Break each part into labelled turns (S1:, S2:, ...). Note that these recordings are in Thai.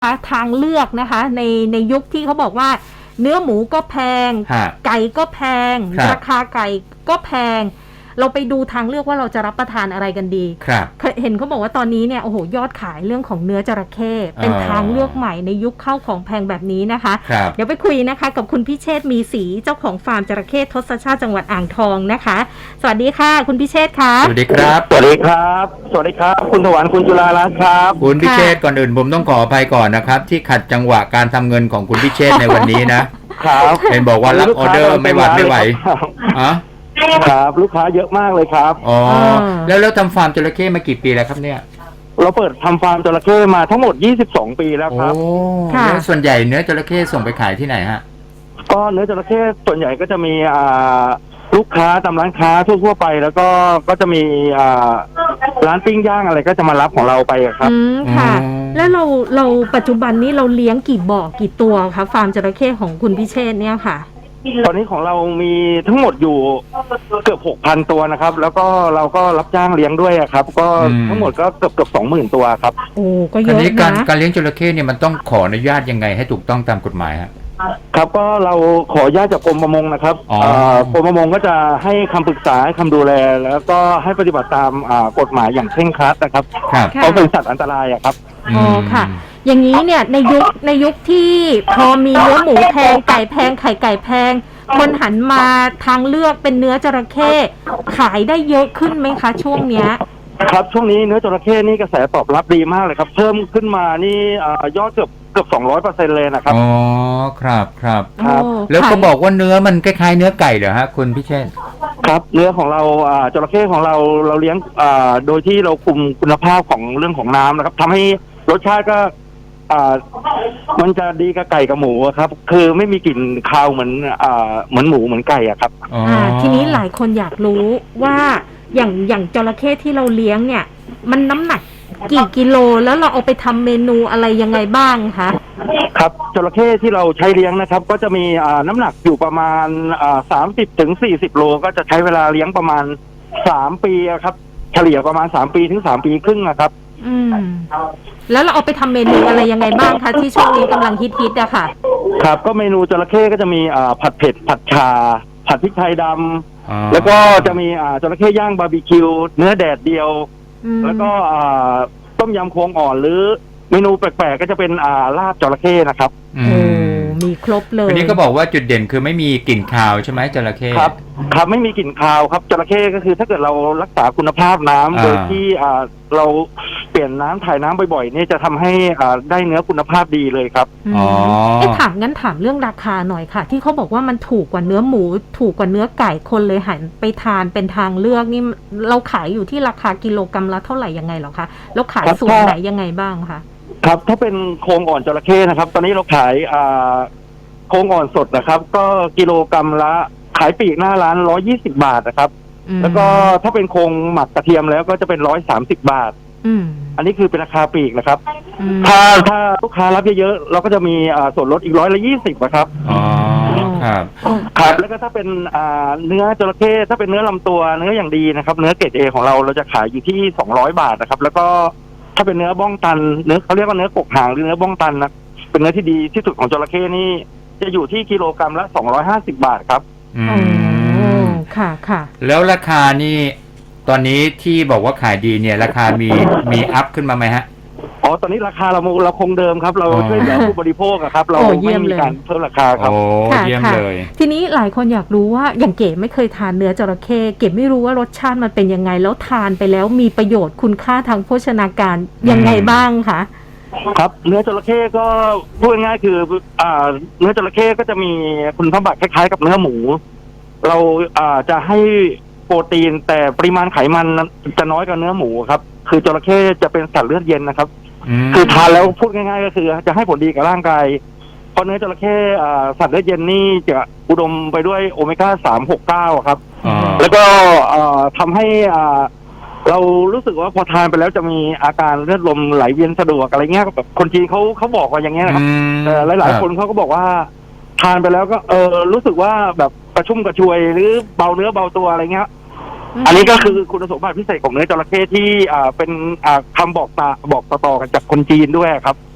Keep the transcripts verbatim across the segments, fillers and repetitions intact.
S1: ทางเลือกนะคะในในยุคที่เขาบอกว่าเนื้อหมูก็แพงไก่ก็แพงราคาไก่ก็แพงเราไปดูทางเลือกว่าเราจะรับประทานอะไรกันดีเห็นเขาบอกว่าตอนนี้เนี่ยโอ้โหยอดขายเรื่องของเนื้อจระเข้เป็นทางเลือกใหม่ในยุคเข้าของแพงแบบนี้นะคะเดี๋ยวไปคุยนะคะกับคุณพิเชษฐ์มีศรีเจ้าของฟาร์มจระเข้ทศชาติจังหวัดอ่างทองนะคะสวัสดีค่ะคุณพิเชษฐ์ค่ะ
S2: สวัสดีครับ
S3: สวัสดีครับสวัสดีครับคุณถวันคุณจุฬารัตน์ครับ
S2: คุณพิเชษฐ์ก่อนอื่นผมต้องขออภัยก่อนนะครับที่ขัดจังหวะการทำเงินของคุณพิเชษฐ์ในวันนี้นะครับเห็นบอกว่ารับออเดอร์ไม่หวัดไม่ไหวอ๋อ
S3: ครับลูกค้าเยอะมากเลยครับ
S2: อ๋อแล้วแล้วทำฟาร์มจระเข้มากี่ปีแล้วครับเนี่ย
S3: เราเปิดทำฟาร์มจระเข้มาทั้งหมดยี่สิบสองปีแล้วครับ
S2: โอ้แล้วส่วนใหญ่เนื้อจระเข้ส่งไปขายที่ไหนฮะ
S3: ก็เนื้อจระเข้ส่วนใหญ่ก็จะมีอ่าลูกค้าตามร้านค้าทั่วๆไปแล้วก็ก็จะมีอ่าร้านปิ้งย่างอะไรก็จะมารับของเราไปครับ
S1: อืมค่ะแล้วเราเราปัจจุบันนี้เราเลี้ยงกี่บ่อกี่ตัวคะฟาร์มจระเข้ของคุณพิเชษฐ์เนี่ยค่ะ
S3: ตอนนี้ของเรามีทั้งหมดอยู่เกือบหกพันตัวนะครับแล้วก็เราก็รับจ้างเลี้ยงด้วยครับก็ทั้งหมดก็เกือบเกือบสองหมื่นตัวครับ
S1: โอ้ก็เยอะนะ
S2: การการเลี้ยงจระเข้เนี่ยมันต้องขออนุญาตยังไงให้ถูกต้องตามกฎหมายครับ
S3: ครับก็เราขออนุญาตจากกรมประมงนะครับกรมประมงก็จะให้คำปรึกษาให้คำดูแลแล้วก็ให้ปฏิบัติตามกฎหมายอย่างเคร่งครัดนะครับเพราะเป็นสัตว์อันตรายอะครับ
S1: อ๋อค่ะอย่างนี้เนี่ยในยุคในยุคที่พอมีเนื้อหมูแพงไก่แพงไข่ไก่แพงคนหันมาทางเลือกเป็นเนื้อจระเข้ขายได้เยอะขึ้นไหมคะช่วงเนี้ย
S3: ครับช่วงนี้เนื้อจระเข้นี่กระแสตอบรับดีมากเลยครับเพิ่มขึ้นมานี่ยอดเกือบเกือบสองร้อยเปอร์เซ็นต์เลยนะครับ
S2: อ๋อครับครับครับแล้วก็บอกว่าเนื้อมันคล้ายๆเนื้อไก่เหรอฮะคุณพิเชษฐ์
S3: ครับเนื้อของเราจระเข้ของเราเราเลี้ยงโดยที่เราคุมคุณภาพของเรื่องของน้ำนะครับทำให้รสชาติก็อ่ามันจะดีกับไก่กับหมูครับคือไม่มีกลิ่นคาวเหมือนอ่าเหมือนหมูเหมือนไก่อะครับ
S1: อ่าทีนี้หลายคนอยากรู้ว่าอย่างอย่างจระเข้ที่เราเลี้ยงเนี่ยมันน้ำหนักกี่กิโลแล้วเราเอาไปทำเมนูอะไรยังไงบ้างคะ
S3: ครับจระเข้ที่เราใช้เลี้ยงนะครับก็จะมีอ่าน้ำหนักอยู่ประมาณอ่าสามสิบถึงสี่สิบโลก็จะใช้เวลาเลี้ยงประมาณสามปีครับเฉลี่ยประมาณสามปีถึงสามปีครึ่งนะครับ
S1: อืมแล้วเราเอาไปทำเมนูอะไรยังไงบ้างคะที่ช่วงนี้กำลังฮิตๆอะค่ะ
S3: ครับก็เมนูจระเข้ก็จะมีอ่าผัดเผ็ดผัดชาผัดพริกไทยดำแล้วก็จะมีอ่าจระเข้ย่างบาร์บีคิวเนื้อแดดเดียวแล้วก็อ่าต้มยำโครงอ่อนหรือเมนูแปลกๆก็จะเป็นอ่าลาบจระเข้นะครับ
S1: โอ้มีครบเลย
S2: ทีนี้ก็บอกว่าจุดเด่นคือไม่มีกลิ่นคาวใช่ไหมจระเข้
S3: ครับครับไม่มีกลิ่นคาวครับจระเข้ก็คือถ้าเกิดเรารักษาคุณภาพน้ำโดยที่อ่าเราเปลี่ยนน้ำถ่ายน้ำบ่อยๆนี่จะทำให้อ่าได้เนื้อคุณภาพดีเลยครับ
S1: อ๋อไอ้ถามงั้นถามเรื่องราคาหน่อยค่ะที่เขาบอกว่ามันถูกกว่าเนื้อหมูถูกกว่าเนื้อไก่คนเลยหันไปทานเป็นทางเลือกนี่เราขายอยู่ที่ราคากิโลกรัมละเท่าไหร่ยังไงหรอคะแล้วขายส่วนไหนยังไงบ้างคะ
S3: ครับถ้าเป็นโครงอ่อนจระเข้นะครับตอนนี้เราขายอ่าโครงอ่อนสดนะครับก็กิโลกรัมละขายปลีกหน้าร้านร้อยยี่สิบบาทนะครับแล้วก็ถ้าเป็นโครงหมักกระเทียมแล้วก็จะเป็นร้อยสามสิบบาทอันนี้คือเป็นราคาปลีกนะครับถ้าถ้าลูกค้ารับเยอะๆเราก็จะมีอ่าส่วนลดอีกร้อยละยี่สิบนะครับ
S2: อ๋อครับ
S3: ครับแล้วก็ถ้าเป็นอ่าเนื้อจระเข้ถ้าเป็นเนื้อลำตัวเนื้ออย่างดีนะครับเนื้อเกรดเอของเราเราจะขายอยู่ที่สองร้อยบาทนะครับแล้วก็ถ้าเป็นเนื้อบ้องตันเนื้อเขาเรียกว่าเนื้อกกหางหรือเนื้อบ้องตันนะเป็นเนื้อที่ดีที่สุดของจระเข้นี่จะอยู่ที่กิโลกรัมละสองร้อยห้าสิบบาทครับ
S1: อืมค่ะค่ะ
S2: แล้วราคานี่ตอนนี้ที่บอกว่าขายดีเนี่ยราคามีมีอัพขึ้นมาไหมฮะ
S3: อ๋อตอนนี้ราคาเราเราคงเดิมครับเราช่วยเหลือผู้บริโภคครับเราไม่มีการเพิ่มราคาครับ
S2: โอ้เยี่ยมเลย
S1: ทีนี้หลายคนอยากรู้ว่าอย่างเก๋ไม่เคยทานเนื้อจระเข้เก๋ไม่รู้ว่ารสชาติมันเป็นยังไงแล้วทานไปแล้วมีประโยชน์คุณค่าทางโภชนาการยังไงบ้างคะ
S3: ครับเนื้อจระเข้ก็พูดง่ายๆคืออ่าเนื้อจระเข้ก็จะมีคุณสมบัติคล้ายๆกับเนื้อหมูเราอ่าจะให้โปรตีนแต่ปริมาณไขมันจะน้อยกว่าเนื้อหมูครับคือจระเข้จะเป็นสัตว์เลือดเย็นนะครับคือทานแล้วพูดง่ายๆก็คือจะให้ผลดีกับร่างกายเพราะเนื้อจระเข้อ่าสัตว์เลือดเย็นนี่จะอุดมไปด้วยโอเมก้าสามหกเก้าครับแล้วก็อ่าทำให้อ่าเรารู้สึกว่าพอทานไปแล้วจะมีอาการเลือดลมไหลเวียนสะดวกอะไรเงี้ยแบบคนจีนเขาเขาบอกว่าอย่างเงี้ยนะครับแต่หลายๆคนเขาก็บอกว่าทานไปแล้วก็เออรู้สึกว่าแบบกระชุ่มกระชวยหรือเบาเนื้อเบาตัวอะไรเงี้ยอันนี้ก็คือคุณสมบัติพิเศษของเนื้อจระเข้ที่อ่าเป็นอ่าคำบอกตาบอกต่อๆกันจากคนจีนด้วยครับ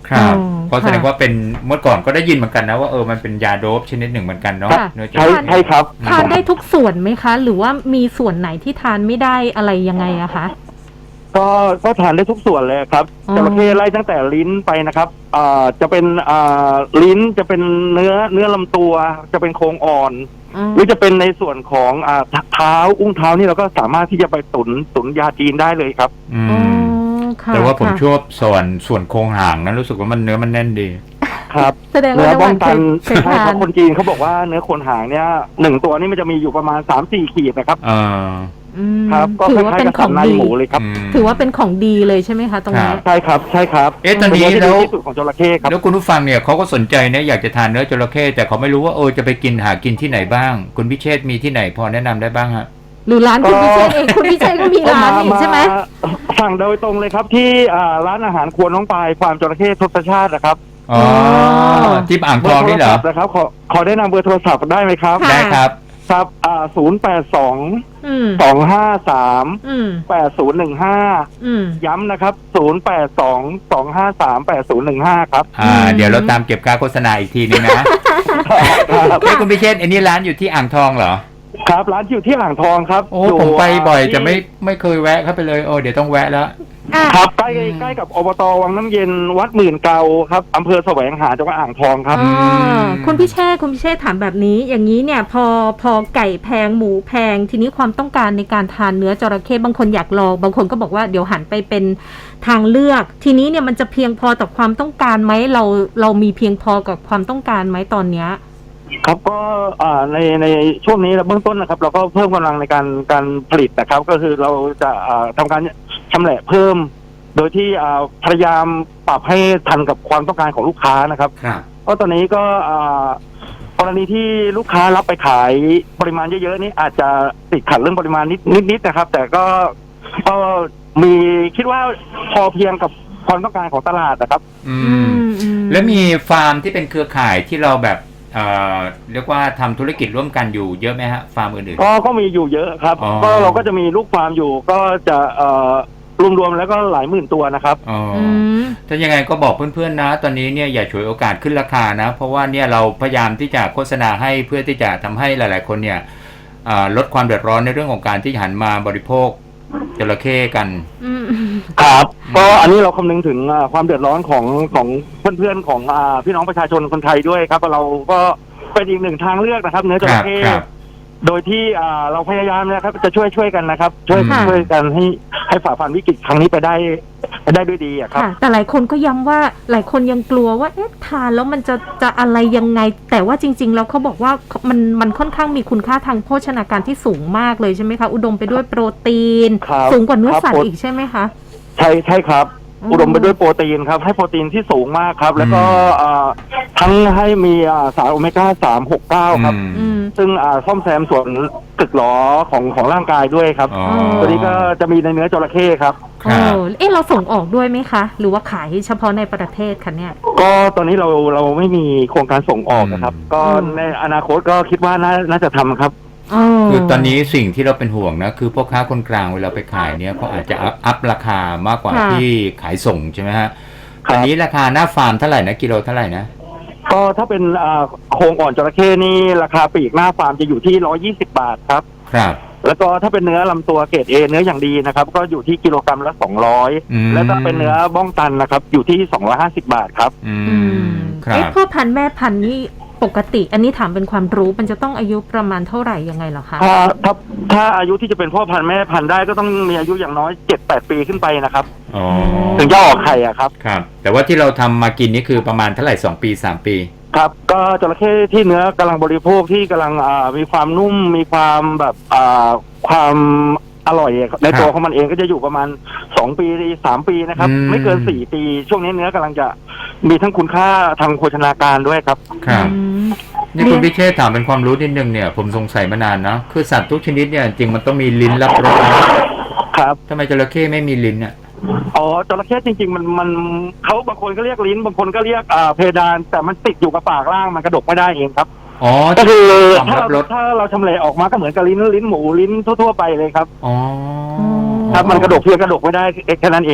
S2: ครับ
S1: อ๋อ
S2: ก็แสดง
S1: ค่ะ
S2: ว่าเป็นเมื่อก่อนก็ได้ยินเหมือนกันนะว่าเออมันเป็นยาโดปชนิดหนึ่งเหมือนกันเนาะ
S1: ค่ะ
S2: เนื้อจ
S3: ใช่
S2: ระเข้
S3: ใช่ครับ
S1: ทานได้ทุกส่วนไหมคะ หรือว่ามีส่วนไหนที่ทานไม่ได้อะไรยังไงอะคะ
S3: ก็ก็ทานได้ทุกส่วนเลยครับ
S1: อ๋อ
S3: จระเข้ไล่ตั้งแต่ลิ้นไปนะครับอ่าจะเป็นอ่าลิ้นจะเป็นเนื้อเนื้อลำตัวจะเป็นโครงอ่อน
S1: อืม
S3: หรือจะเป็นในส่วนของอ่าเท้าอุ้งเท้านี่เราก็สามารถที่จะไปตุนตุนยาจีนได้เลยครับ
S2: อื
S1: อ๋อ
S2: ม
S1: ค่ะ
S2: แต่ว่าผม
S1: ค่ะ
S2: ชอบส่วนส่วนโครงหางนะรู้สึกว่ามันเนื้อมันแน่นดี
S3: ครับ
S1: แสดง
S3: เนื้
S1: ว่า
S3: อ
S1: น้ำห
S3: บ้อ
S1: วาง นเค
S3: ตั
S1: ย
S3: น
S1: เคย
S3: ใช่
S1: ทา
S3: ครั
S1: น
S3: บคนจีนเขาบอกว่าเนื้อโคนหางเนี่ยหนึ่งตัวนี่มันจะมีอยู่ประมาณสามสี่ขีดนะครับ
S2: เออ
S1: อืม
S3: ครับ ก็
S1: ถื
S3: ค
S1: อว่า
S3: ล้าย
S1: เป็
S3: ๆ
S1: น
S3: กับ
S1: ข
S3: สั
S1: อน ง
S3: ใน
S1: ดี
S3: หมูเลยครับ
S2: ม
S1: ถือว่าเป็นของดีเลยใช่ไหมคะตรงนี้
S2: ครับ
S3: ใช่ครับใช่ครับ
S2: เอ๊ะตอนนี้
S3: เป็
S2: แล้ว
S3: เที่ที่สุดของจระเข้ครับ
S2: แล้วคุณผู้ฟังเนี่ยเขาก็สนใจนะอยากจะทานเนื้อจระเข้แต่เขาไม่รู้ว่าเออจะไปกินหากินที่ไหนบ้าง คุณพิเชษมีที่ไหนพอแนะนำได้บ้างฮะ
S1: หรือร้านคุณพิเชษเองคุณพิเชษก็มีร้านอีกใช่ไหม
S3: สั่งโดยตรงเลยครับที่อ่าร้านอาหารครัวน้องปลายฟาร์มจระเข้ทศชาตินะครับ
S2: อ๋อ
S1: อ๋อ
S2: ที่อ่างทองนี่เหรอ
S3: บร์โทศัพท์นะครับขอขอได้นำเบอร์โทรศัพท์ได้ไหมครับ
S1: ค่ะ
S2: ได้ครับ
S3: ครับอ่าศูนย์แปดสอง
S1: อืม
S3: สองห้าสาม
S1: อืม
S3: แปดศูนย์หนึ่งห้า
S1: อืม
S3: ย้ำนะครับศูนย์แปดสองสองห้าสามแปดศูนย์หนึ่งห้าครับ
S2: อ่า
S1: อืม
S2: เดี๋ยวเราตามเก็บค่าโฆษณาอีกทีนึงนะ
S3: ครับ
S2: เอ้ยคุณพิเชษอันนี้ร้านอยู่ที่อ่างทองเหรอ
S3: ครับร้านอยู่ที่อ่างทองครับ
S2: โอ้
S3: ยู่
S2: ผมไปบ่อย
S3: ที่
S2: แต่ไม่ไม่เคยแวะเข้าไปเลยโอ้เดี๋ยวต้องแวะแล้ว
S1: อ่ะ
S3: ครับใกล้ใกล้กับอบตวังน้ำเย็นวัดหมื่นเกาครับอำเภอแสวงหาจังหวัดอ่างทองครับ
S1: อ่า
S2: อืม
S1: คุณพิเชษคุณพิเชษถามแบบนี้ อย่างนี้เนี่ยพอพอไก่แพงหมูแพง ทีนี้ความต้องการในการทานเนื้อจระเข้บางคนอยากลองบางคนก็บอกว่าเดี๋ยวหันไปเป็นทางเลือก ทีนี้เนี่ยมันจะเพียงพอต่อความต้องการไหมเราเรามีเพียงพอกับความต้องการไหมตอนเนี้ย
S3: ครับก็อ่าในในช่วงนี้เบื้องต้นนะครับ เราก็เพิ่มกำลังในการการผลิตนะครับ ก็คือเราจะอ่าทำการชำแหละเพิ่ม โดยที่อ่าพยายามปรับให้ทันกับความต้องการของลูกค้านะครับ
S2: ครับ
S3: เพราะตอนนี้ก็อ่ากรณีที่ลูกค้ารับไปขายปริมาณเยอะๆนี่อาจจะติดขัดเรื่องปริมาณนิดนิดๆนะครับ แต่ก็ก็มีคิดว่าพอเพียงกับความต้องการของตลาดนะครับ
S2: อืม
S1: อืม
S2: แล้วมีฟาร์มที่เป็นเครือข่ายที่เราแบบเอ่อเรียกว่าทำธุรกิจร่วมกันอยู่เยอะไหมฮะฟาร์มอื่น
S3: ก็ก็มีอยู่เยอะครับ
S2: อ๋อ
S3: ก็เราก็จะมีลูกฟาร์มอยู่ก็จะเอ่อรวมๆแล้วก็หลายหมื่นตัวนะครับ
S2: ๆอ๋ออ
S1: อืม
S2: ถ้ายังไงก็บอกเพื่อนๆนะ ตอนนี้เนี่ยอย่าฉวยโอกาสขึ้นราคานะ เพราะว่าเนี่ยเราพยายามที่จะโฆษณาให้เพื่อที่จะทำให้หลายๆคนเนี่ยอ่าลดความเดือดร้อนในเรื่องของการที่หันมาบริโภคจระเข้กัน
S1: อืม
S3: ครับ ก็อันนี้เราคำนึงถึงอ่าความเดือดร้อนของของเพื่อนๆของอ่าพี่น้องประชาชนคนไทยด้วยครับเราก็เป็นอีกหนึ่งทางเลือกนะครับ เนื้อจระเข้
S2: ครับ
S3: โดยที่อ่าเราพยายามนะครับจะช่วยช่วยกันนะครับ ช่วย
S1: ค่ะ
S3: ช่วยกันให้ให้ฝ่าฟันวิกฤตครั้งนี้ไปได้ไปได้ด้วยดีอะครับ
S1: ค่ะ แต่หลายคนก็ย้ำว่าหลายคนยังกลัวว่าเอ๊ะทานแล้วมันจะจะอะไรยังไง แต่ว่าจริง ๆ แล้วเขาบอกว่ามันมันค่อนข้างมีคุณค่าทางโภชนาการที่สูงมากเลยใช่ไหมคะอุดมไปด้วยโปรตีน
S3: ครับ
S1: สูงกว่าเนื้อสัต
S3: ครับ
S1: ว์อีกใช่ไหมคะ
S3: ใช่ใช่ครับ
S1: อืม
S3: อุดมไปด้วยโปรตีนครับ ให้โปรตีนที่สูงมากครับ แล้วก็
S2: อืม
S3: อ่าทั้งให้มีอ่าสารโอเมก้าสามหกเก้าครับ
S2: อืม
S1: อืม
S3: ซึ่งอ่าซ่อมแซมส่วนตึกหลอของของร่างกายด้วยครับ
S2: อ๋อ
S3: ตัวนี้ก็จะมีในเนื้อจระเข้ครับ
S2: ครั
S1: โอ้
S2: บ
S1: เอ๊ะเราส่งออกด้วยไหมคะ หรือว่าขายเฉพาะในประเทศคะเนี่ย
S3: ก็ตอนนี้เราเราไม่มีโครงการส่งออกนะครับ
S2: อืม
S3: ก็
S1: อืม
S3: ในอนาคตก็คิดว่าน่าน่าจะทำครับ
S2: คือตอนนี้สิ่งที่เราเป็นห่วงนะคือพ่อค้าคนกลางเวลาไปขายเนี่ยเขาอาจจะอัพอัพราคามากกว่า
S1: ค่ะ
S2: ที่ขายส่งใช่ไหมฮะ
S3: ครับ
S2: อันนี้ราคาหน้าฟาร์มเท่าไหร่นะกิโลเท่าไหร่นะ
S3: ก็ถ้าเป็นอ่าโครงอ่อนจระเข้นี่ราคาปลีกหน้าฟาร์มจะอยู่ที่ร้อยี่สิบบาทครับ
S2: ครับ
S3: แล้วก็ถ้าเป็นเนื้อลำตัวเกรดเอเนื้ออย่างดีนะครับ ก็อยู่ที่กิโลกรัมละสองร้อย
S2: อืม
S3: แล้วถ้าเป็นเนื้อบ้องตันนะครับ อยู่ที่สองร้อยห้าสิบบาทครับ
S2: อื
S1: อื
S2: ม
S1: ม
S2: ครั
S1: เอ๊ะ
S2: บ
S1: พ่อพันธุ์แม่พันธุ์นี่ปกติ อันนี้ถามเป็นความรู้มันจะต้องอายุประมาณเท่าไหร่ยังไงเหรอคะ
S3: ถ้าถ้าถ้าอายุที่จะเป็นพ่อพันธุ์แม่พันธุ์ได้ก็ต้องมีอายุอย่างน้อยเจ็ดแปดปีขึ้นไปนะครับ
S2: อ๋อ
S3: ถึงจะออกไข่อะครับ
S2: ครับ แต่ว่าที่เราทำมากินนี่คือประมาณเท่าไหร่สองปีสามปี
S3: ครับ ก็จระเข้ที่เนื้อกำลังบริโภคที่กำลังอ่ามีความนุ่มมีความแบบอ่าความอร่อยในตัวของมันเองก็จะอยู่ประมาณสองปีสามปีนะครับ
S2: อืม
S3: ไม่เกินสี่ปี ช่วงนี้เนื้อกำลังจะมีทั้งคุณค่าทางโภชนาการด้วยครับ
S2: ครับ
S1: อืม
S2: นี่คุณพิเชษถามเป็นความรู้นิดนึงเนี่ยผมสงสัยมานานนะคือสัตว์ทุกชนิดเนี่ยจริงมันต้องมีลิ้นรับรสนะครับ ทำไมจระเข้ไม่มีลิ้นเนี่ย
S3: อ๋อจระเข้จริง ๆ มันมันเขาบางคนก็เรียกลิ้นบางคนก็เรียกอ่าเพดาน แต่มันติดอยู่กับปากล่างมันกระดกไม่ได้เองครับ
S2: อ๋อ
S3: ก็คือ
S2: ความ
S3: ถ้า
S2: รับร
S3: เรา
S2: ส
S3: ถ้าเราชำแหละออกมาก็เหมือนกับลิ้นลิ้นหมูลิ้นทั่วๆไปเลยครับ
S2: อ๋อ
S3: ครับมันกระดกเพียงกระดกไม่ได้แค่นั้นเองครับ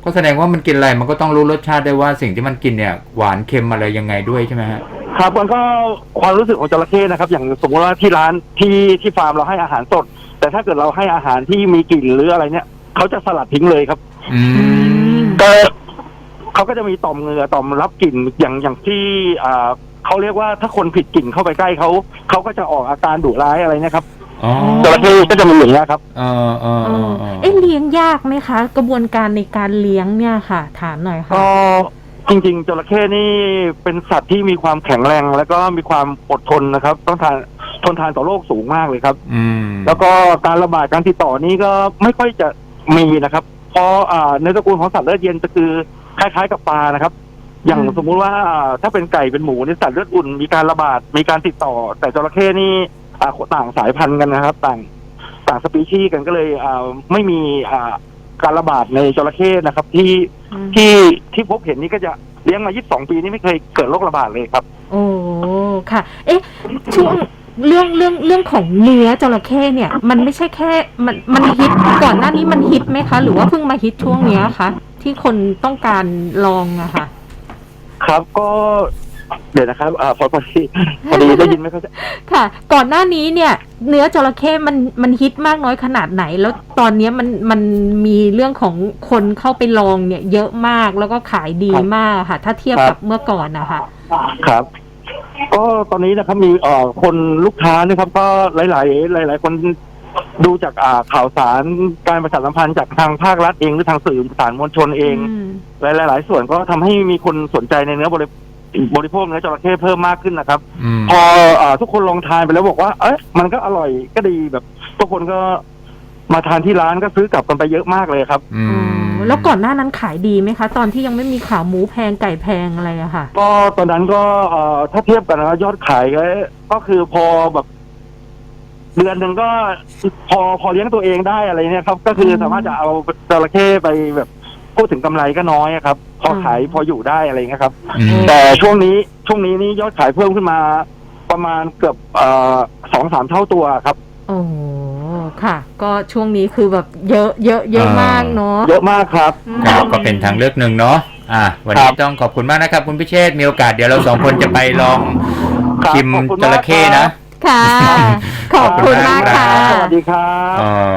S2: ก็แสดงว่ามันกินอะไรมันก็ต้องรู้รสชาติได้ว่าสิ่งที่มันกินเนี่ยหวานเค็มอะไรยังไงด้วยใช่ไหมฮะ
S3: ครับมันก็ความรู้สึกของจระเข้นะครับอย่างสมมติว่าที่ร้านที่ที่ฟาร์มเราให้อาหารสดแต่ถ้าเกิดเราให้อาหารที่มีกลิ่นหรืออะไรเนี่ยเขาจะสลัดทิ้งเลยครับ
S2: อืม
S3: ก็เขาก็จะมีต่อมเหงื่อต่อมรับกลิ่นอย่างอย่างที่อ่าเขาเรียกว่าถ้าคนผิดกลิ่นเข้าไปใกล้เขาเขาก็จะออกอาการดุร้ายอะไรนะครับจระเข้ก็จะมีอย่างนี้ครับ
S2: เออเออ
S1: เอ๊ะเลี้ยงยากไหมคะกระบวนการในการเลี้ยงเนี่ยค่ะถามหน่อยค่ะ
S3: ก็จริงๆจระเข้นี่เป็นสัตว์ที่มีความแข็งแรงแล้วก็มีความอดทนนะครับต้องทานทนทานต่อโรคสูงมากเลยครับ
S2: อืม
S3: แล้วก็การระบาดการติดต่อนี้ก็ไม่ค่อยจะมีนะครับเพราะอ่าในตระกูลของสัตว์เลือดเย็นจะคือคล้ายๆกับปลานะครับอย่างสมมุติว่าถ้าเป็นไก่เป็นหมูนี่สัตว์เลือดอุ่นมีการระบาดมีการติดต่อแต่จระเข้นี่อ่าต่างสายพันธุ์กันนะครับต่างต่างสปีชีส์กันก็เลยอ่าไม่มีอ่าการระบาดในจระเข้นะครับที่ที่ที่พบเห็นนี่ก็จะเลี้ยงมายี่สิบสองปีนี่ไม่เคยเกิดโรคระบาดเลยครับ
S1: โอ้ค่ะเอ๊ะช่วงเรื่องเรื่องเรื่องของเนื้อจระเข้เนี่ยมันไม่ใช่แค่มันมันฮิตก่อนหน้านี้มันฮิตไหมคะหรือว่าเพิ่งมาฮิตช่วงนี้คะที่คนต้องการลองอะค่ะ
S3: ครับก็เดี๋ยวนะครับอ่าพอพอดีพอดีได้ยินไหมครับ
S1: ค่ะก่อนหน้านี้เนี่ยเนื้อจระเข้มันมันฮิตมากน้อยขนาดไหนแล้วตอนนี้มันมันมีเรื่องของคนเข้าไปลองเนี่ยเยอะมากแล้วก็ขายดีมากค่ะถ้าเทียบกับเมื่อก่อนนะคะ
S3: ครับก็ตอนนี้นะครับมีเอ่อคนลูกค้านะครับก็หลายๆหลายๆคนดูจากอ่าข่าวสารการประชาสัมพันธ์จากทางภาครัฐเองหรือทางสื่อสารมวลชนเองหลายๆหลายส่วนก็ทำให้มีคนสนใจในเนื้อบริบริโภคเนื้อจระเข้เพิ่มมากขึ้นนะครับพออ่าทุกคนลองทานไปแล้วบอกว่าเอ๊ะมันก็อร่อยก็ดีแบบทุกคนก็มาทานที่ร้านก็ซื้อกลับกันไปเยอะมากเลยครับ
S1: อืมแล้วก่อนหน้านั้นขายดีไหมคะตอนที่ยังไม่มีข่าวหมูแพงไก่แพงอะไรอะค่ะ
S3: ก็ตอนนั้นก็เอ่อถ้าเทียบกันนะยอดขายก็ก็คือพอแบบเดือนหนึ่งก็พอพอเลี้ยงตัวเองได้อะไรเนี่ยครับก็คือสามารถจะเอาจระเข้ไปแบบพูดถึงกำไรก็น้อยครับพอขายพออยู่ได้อะไรเงี้ยครับแต่ช่วงนี้ช่วงนี้นี่ยอดขายเพิ่มขึ้นมาประมาณเกือบเอ่อสองสามเท่าตัวครับ
S1: โอ้ค่ะก็ช่วงนี้คือแบบเยอะเยอะเยอะมากเนาะ
S3: เยอะมากครับ
S2: ครับก็เป็นทางเลือกหนึ่งเนาะอ่ะวันนี้ต้องขอบคุณมากนะครับคุณพิเชษมีโอกาสเดี๋ยวเราสองคนจะไปลองชิมจระเข้นะ
S1: ค่ะขอบคุณมากค่ะ
S3: สวัสดีครับ